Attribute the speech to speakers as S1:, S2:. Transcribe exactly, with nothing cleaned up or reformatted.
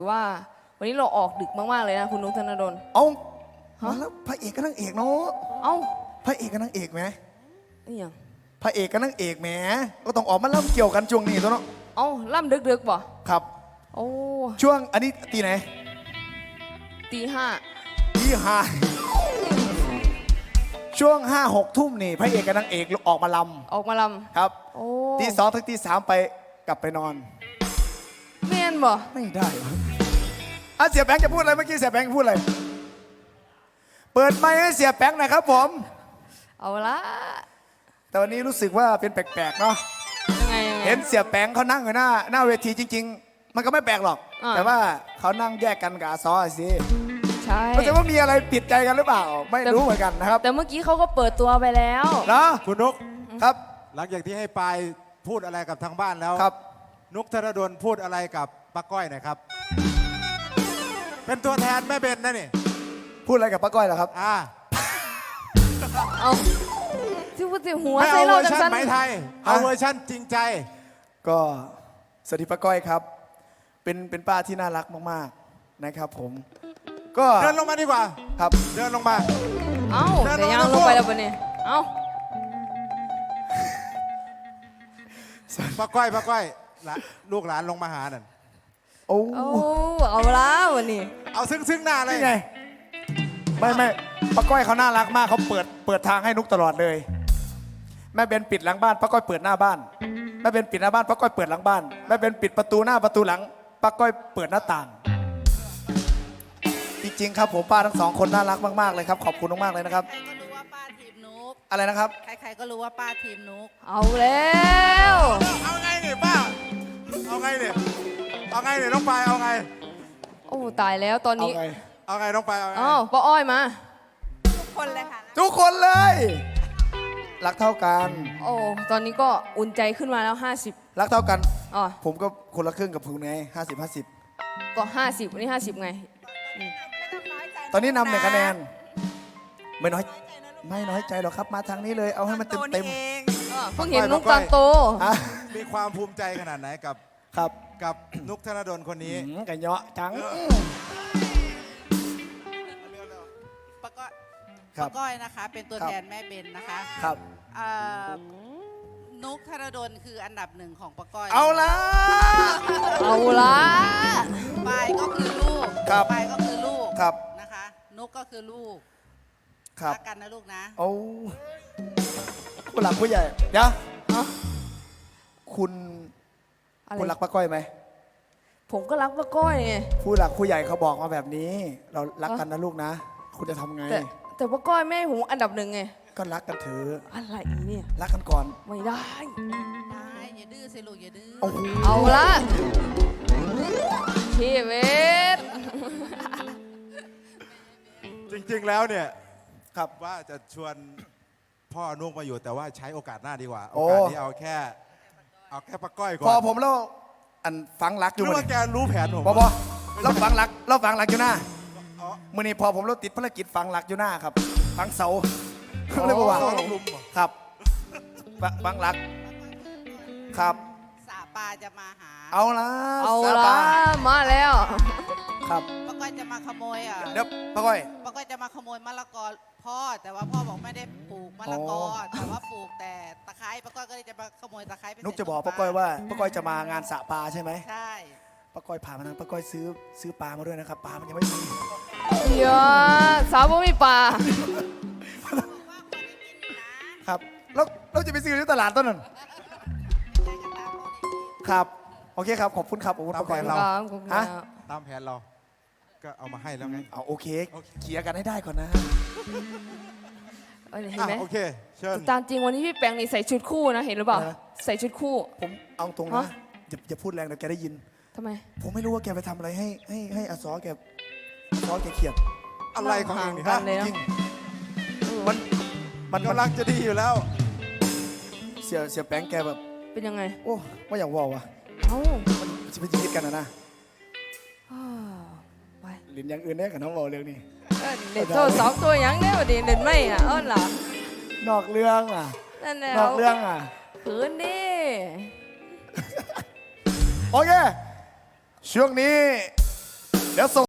S1: ว่าวันนี้เราออกดึกมากๆเลยนะคุณนุ๊กธนดล
S2: เอามาแล้วพระเอกกับนางเอกเนาะ
S1: เอ้า
S2: พระเอกกับนางเอกไหม
S1: นี่ยัง
S2: พระเอกกับนางเอกแหมก็ต้องออกมาเล่าเกี่ยวกันช่วงนี้ตัวเนาะ
S1: เอ้าล่ำดึกๆป่ะ
S2: ครับ
S1: โอ้
S2: ช่วงอันนี้ตีไหน
S1: ตีห้า
S2: ตีห้าช่วงห้าหกทุ่มนี่พระเอกกับนางเอกออกมาล
S1: ำออกมาล
S2: ำครับ
S1: โอ้
S2: ตีสองถึงตีสามไปกลับไปนอน
S1: เมียนบ่
S2: ไม่ได้อ่ะเสียแบงค์จะพูดอะไรเมื่อกี้เสียแบงค์พูดอะไรเปิดไมค์ให้เสียแบงค์หน่อยครับผม
S1: เอาละ
S2: แต่วันนี้รู้สึกว่าเป็นแปลกๆเนาะ
S1: ยังไง
S2: เห็นเสียแบงค์เขานั่งอยู่หน้าหน้าเวทีจริงๆมันก็ไม่แปลกหรอกแต่ว่าเขานั่งแยกกันกับอาซอสิ
S1: ใช่
S2: ไม่ใช่ว่ามีอะไรผิดใจกันหรือเปล่าไม่รู้เหมือนกันนะครับ
S1: แต่เมื่อกี้เขาก็เปิดตัวไปแล้ว
S2: นะ
S3: คุณนุก
S2: ครับ
S3: หลังจากที่ให้ปายพูดอะไรกับทางบ้านแล้ว
S2: ครับ
S3: นุกธนดลพูดอะไรกับป้าก้อยหน่อยครับเป็นตัวแทนแม่เบนนะนี่
S2: พูดอะไรกับป้าก้อยเหรอครับ
S3: อ่า
S1: เอาที่พูดถึงหัว
S3: ไม่
S1: ใส่
S3: เอาเว
S1: เรา
S3: อร์
S1: จัง
S3: ชันไหมไทยเอาเวอร์ชันจริงใจ
S2: ก็สวัสดีป้าก้อยครับเป็นเป็นป้าที่น่ารักมากๆนะครับผมก็
S3: เดินลงมาดีกว่า
S2: ครับ
S3: เดินลงมา
S1: เอ้าเดี๋ยวยังลงไปแล้วปะเนี่ยเอ้า
S3: ป้าก้อยป้าก้อยลูกหลานลงมาหาหน่อย
S2: โอ้
S1: เอาแล้ววันนี้
S3: เอาซึ้งซึ้งหน้าเลย
S2: ไงไม่ไม่ป้าก้อยเขาน่ารักมากเขาเปิดเปิดทางให้นุกตลอดเลยแม่เบนปิดหลังบ้านป้าก้อยเปิดหน้าบ้านแม่เบนปิดหน้าบ้านป้าก้อยเปิดหลังบ้านแม่เบนปิดประตูหน้าประตูหลังป้าก้อยเปิดหน้าต่างจริงๆครับผมป้าทั้งสองคนน่ารักมากๆเลยครับขอบคุณมากๆเลยนะครับ
S4: ใครก็รู้ว่าป้าทีมนุก
S2: อะไรนะครับ
S4: ใครๆก็รู้ว่าป้าทีมนุก
S1: เอาแล้ว
S3: เอาไงเนี่ยป้าเอาไงเนี่ยเอาไงเนี่ยน้องปายเอาไง
S1: โอ้ตายแล้วตอนนี้
S3: เอาไงน้องปายเอาไง
S1: อ้าวป้าอ้อยมา
S4: ทุกคนเลยค่ะ
S2: ทุกคนเลยรักเท่ากัน
S1: โอ้ตอนนี้ก็อุ่นใจขึ้นมาแล้วห้าสิบ
S2: รักเท่ากัน
S1: อ๋อ
S2: ผมก็คนละครึ่งกับคุณไงห้าสิบห้าสิบ
S1: ก็ห้าสิบวันนี้ห้าสิบไง
S2: ตอนนี้นำหนึ่งคะแนนไม่น้อยไม่น้อยใจหรอกครับมาทางนี้เลยเอาให้มันเต็มเต็ม
S1: เพิ่งเห็นนุกตอนโต
S3: มีความภูมิใจขนาดไหนกับ
S2: ครับ
S3: กับนุกธนดลคนนี้
S2: กันเยอะจัง
S4: ป้าก้อยป้าก้อยนะคะเป็นตัวแทนแม่เบนนะคะ
S2: ครับ
S4: นุกธนดลคืออันดับหนึ่งของป้าก้อย
S2: เอาละ
S1: เอาละ
S4: ปายก็คือลูกปายก็คือลูก
S2: ครับ
S4: นะคะนุกก็คือลูก
S2: รั
S4: กกันนะลูกนะ
S2: โอ้ผู้หลักผู้ใหญ่เดี๋ยวคุณคุณรักป้าก้อยไหม
S1: ผมก็รักป้าก้อยไง
S2: ผู้หลักผู้ใหญ่เขาบอกมาแบบนี้เรารักกันนะลูกนะคุณจะทำไง
S1: แต่แต่ป้าก้อยแม่ผมอันดับหนึ่งไง
S2: ก็รักกันเถอะ
S1: อะไรเนี่ย
S2: รักกันก่อน
S1: ไม่ได้
S4: ได้อย่าดื้อสิลูกอย่าดื้อ
S1: เอาละชีวิต
S3: จริงๆแล้วเนี่ย
S2: ครับ
S3: ว่าจะชวนพ่อนุกมาอยู่แต่ว่าใช้โอกาสหน้าดีกว่าโอกาสนี้เอาแค่เอาแค่ป้าก้อยก่อน
S2: พอผมแล้วอันฟังรักอยู่
S3: รู้ว่าแกรู้แผนผม
S2: บอบอเราฟังรักเราฟังรักอยู่หน้าเมื่อนี้พอผมเราติดภารกิจฟังรักอยู่หน้าครับฟังเสาเลยบอกว่าครับฟังรักครับ
S4: สาปาจะมาหา
S2: เอาละ
S1: เอาละมาแล้ว
S2: ครับ
S4: ป้าก้อยจะมาขโมยอ่ะ
S2: เดี๋ยวป้าก้อย
S4: ป้าก้อยจะมาขโมยมะละกอพ่อแต่ว่าพ่อบอกไม่ได้ปลูกมะละกอแต่ว่าปลูกแต่ตะไคร้ป้าก้อยก็เลยจะมาขโมยตะไคร้ไป
S2: นุกจะบอกป้าก้อยว่าป้าก้อยจะมางานสระปลาใช่ไหม
S4: ใช่
S2: ป้าก้อยผ่านมานั้นป้าก้อยซื้อซื้อปลามาด้วยนะครับปลามันยังไม่มี
S1: เยอะสาวบ่มีปลา
S2: ครับแล้วเราจะไปซื้อที่ตลาดต้นนั้นครับโอเคครับขอบคุณครับขอบคุณป้าก้อยเรา
S1: ฮะ
S3: ตามแผนเราก็เอามาให้แล้วไง
S2: เอาโอเคเคลียร์กันให้ได้ก่อนนะ
S1: เห็นไหม
S3: โอเคเชิญ
S1: ตามจริงวันนี้พี่แปงนี่ใส่ชุดคู่นะเห็นหรือเปล่าใส่ชุดคู่
S2: ผมเอาตรงนะอย่าอย่าพูดแรงเดี๋ยวแกได้ยิน
S1: ทำไม
S2: ผมไม่รู้ว่าแกไปทำอะไรให้ให้ให้อาซอแกอาซอแกเขียด
S3: อะไรของเองนี่ฮะ
S2: จริงมันมัน
S3: กำลังจะดีอยู่แล้ว
S2: เสียเสียแปงแกแบบ
S1: เป็นยังไง
S2: โอ้ว่าอย่างว่าวะ
S1: เอ้า
S2: มันจะไปยิดกันนะนะ
S1: ไป
S2: หลินอย่างอื่นได้กับน้องบอกเรื่องนี้
S1: เด็ดโตสองตัวยังได้ประเด็นเด่นไม่อ่ะอ้อนหล่ะ
S2: นอกเรื่องอ่ะ
S1: นั่นแหละ
S2: นอกเรื่องอ่ะ
S1: ขืนดิ
S2: โอเคช่วงนี้ดี๋ยวส่ง